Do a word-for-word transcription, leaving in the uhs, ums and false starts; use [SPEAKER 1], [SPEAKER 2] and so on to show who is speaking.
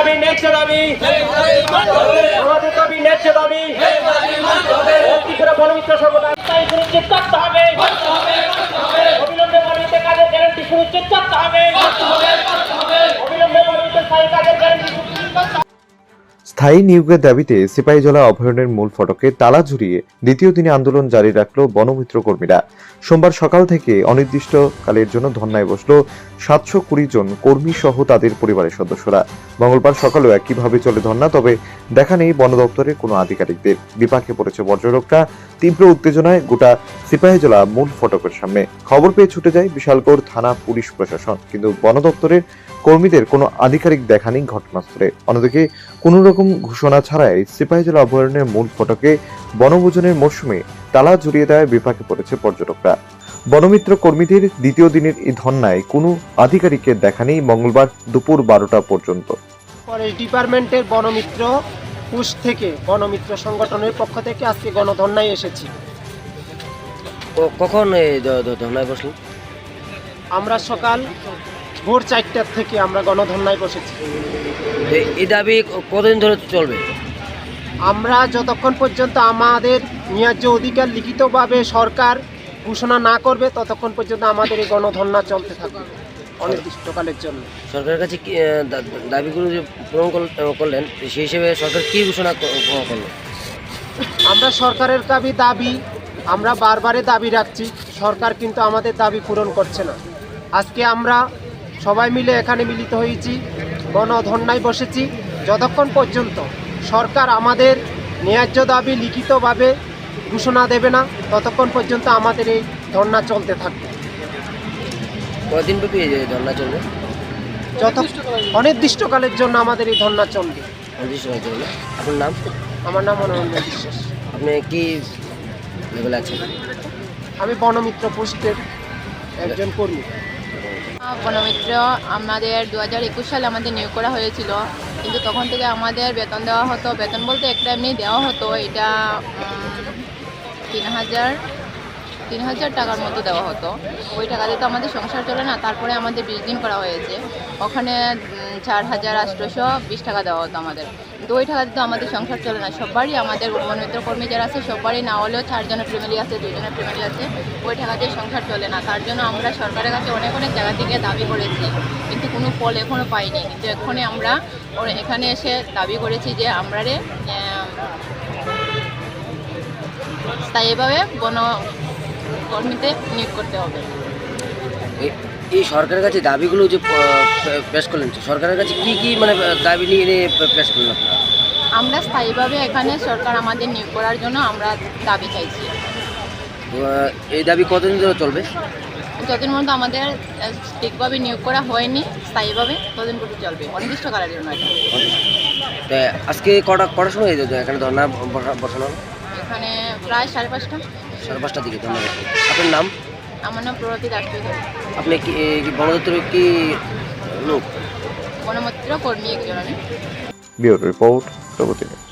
[SPEAKER 1] দাবি ন্যায্য দাবি আমাদের দাবি ন্যায্য দাবি কি করে বনমিত্র সংগঠন স্থায়ী সুনিশ্চিত করতে হবে অবিলম্বে বনমিত্র কাজের গ্যারান্টি সুনিশ্চিত করতে হবে অবিলম্বে বনমিত্র স্থায়ী কাজের গ্যারান্টি সুনিশ্চিত করতে হবে।
[SPEAKER 2] স্থায়ী নিয়োগের দাবিতে সিপাহীজলা অভয়ারণ্যের মূল ফটকে তালা ঝুলিয়ে দ্বিতীয় দিনে আন্দোলন জারি রাখল বনমিত্র কর্মীরা। সোমবার সকাল থেকে অনির্দিষ্টকালের জন্য ধর্নায় বসল সাতশো কুড়ি জন কর্মী সহ তাদের পরিবারের সদস্যরা। মঙ্গলবার সকালেও একইভাবে চলে ধর্না, তবে দেখা নেই বন দপ্তরের কোনো আধিকারিকদের। বিপাকে পড়েছে পর্যটকরা। তীব্র উত্তেজনায় গোটা সিপাহীজলা মূল ফটকের সামনে। খবর পেয়ে ছুটে যায় বিশালগড় থানা পুলিশ প্রশাসন, কিন্তু বন দপ্তরের কর্মীদের কোনো আধিকারিক দেখা নেই ঘটনাস্থলে। অন্যদিকে কোন রকম ঘোষণা ছাড়াই সিপাহীজলা অভয়ারণ্যের মূল ফটকে বনভোজনের মরশুমে তালা ঝুলিয়ে দেওয়ায় বিপাকে পড়েছে পর্যটকরা। বনমিত্র কর্মীদের দ্বিতীয় দিনের এই ধর্নায় কোনো আধিকারিকের দেখা নেই মঙ্গলবার দুপুর বারোটা পর্যন্ত।
[SPEAKER 1] ফরেস্ট ডিপার্টমেন্টের বনমিত্র পুশ থেকে বনমিত্র সংগঠনের পক্ষ থেকে আজকে গণধর্নায় এসেছি।
[SPEAKER 3] কখন এই ধর্নায় বসলেন?
[SPEAKER 1] আমরা সকাল ভোর চারটার থেকে আমরা গণধর্নায় বসেছি।
[SPEAKER 3] এই দাবি কতদিন ধরে চলবে?
[SPEAKER 1] আমরা যতক্ষণ পর্যন্ত আমাদের ন্যায্য অধিকার লিখিতভাবে সরকার ঘোষণা না করবে ততক্ষণ পর্যন্ত আমাদের এই গণধর্না চলতে থাকবে অনির্দিষ্টকালের জন্য।
[SPEAKER 3] সরকারের কাছে কি দাবিগুলো যে পূরণ করলেন সেই হিসেবে সরকার কি ঘোষণা করলো?
[SPEAKER 1] আমরা সরকারের দাবি দাবি আমরা বারবারে দাবি রাখছি, সরকার কিন্তু আমাদের দাবি পূরণ করছে না। আজকে আমরা সবাই মিলে এখানে মিলিত হয়েছি, গণধর্নায় বসেছি। যতক্ষণ পর্যন্ত সরকার আমাদের ন্যায্য দাবি লিখিতভাবে ঘোষণা দেবে না ততক্ষণ পর্যন্ত আমাদের এই ধর্না চলতে থাকবে।
[SPEAKER 3] কদিন ব্যাপী এই ধর্না চলবে?
[SPEAKER 1] যত অনির্দিষ্টকালের জন্য আমাদের এই ধর্না চলবে।
[SPEAKER 3] অনির্দিষ্টকালের জন্য। আপনার নাম?
[SPEAKER 1] আমার নাম মনোরঞ্জন বিশ্বাস।
[SPEAKER 3] আপনি কি লেভেলে আছেন?
[SPEAKER 1] আমি বনমিত্র পোস্টের একজন কর্মী।
[SPEAKER 4] বনমিত্র আমাদের দু হাজার একুশ সালে আমাদের নিয়োগ করা হয়েছিল, কিন্তু তখন থেকে আমাদের বেতন দেওয়া হতো। বেতন বলতে একটা এমনি দেওয়া হতো, এটা তিন হাজার তিন হাজার টাকার মতো দেওয়া হতো। ওই টাকাতে তো আমাদের সংসার চলে না। তারপরে আমাদের বিশ দিন করা হয়েছে, ওখানে চার হাজার আটশোশো বিশ টাকা দেওয়া হতো আমাদের। কিন্তু ওই টাকাতে তো আমাদের সংসার চলে না। সবারই আমাদের বনমিত্র কর্মী যারা আছে সবারই না হলেও চারজনের ফ্যামিলি আছে, দুজনের ফ্যামিলি আছে, ওই টাকাতে সংসার চলে না। তার জন্য আমরা সরকারের কাছে অনেক অনেক জায়গা থেকে দাবি করেছি, কিন্তু কোনো ফল এখনও পাইনি। কিন্তু এখনই আমরা এখানে এসে দাবি করেছি যে আমরা স্থায়ীভাবে বন কর্মীতে নিয়োগ করতে হবে।
[SPEAKER 3] এই সরকারের কাছে দাবিগুলো যে পেশ করলেন, সরকারের কাছে কি কি মানে দাবি নিয়ে পেশ করলেন?
[SPEAKER 4] আমরা স্থায়ীভাবে এখানে সরকার আমাদের নিয়োগ করার জন্য আমরা দাবি চাইছি।
[SPEAKER 3] এই দাবি কতদিন ধরে চলবে?
[SPEAKER 4] যতদিন পর্যন্ত আমাদের ঠিকভাবে নিয়োগ করা হয়নি স্থায়ীভাবে ততদিন পর্যন্ত চলবে, অনির্দিষ্টকালের জন্য।
[SPEAKER 3] এটা আজকে কটা কটার সময় এখানে ধর্না বসানো?
[SPEAKER 4] এখানে প্রায় সাড়ে পাঁচটা
[SPEAKER 3] সাড়ে পাঁচটার দিকে। ধন্যবাদ। আপনার নাম?
[SPEAKER 4] আমার নাম প্রগতি দাস।
[SPEAKER 3] আপনি কি বন দপ্তরের কি লোক?
[SPEAKER 4] বনমিত্র কর্মী একজন আমি।
[SPEAKER 2] ব্যুরো রিপোর্ট, প্রগতি।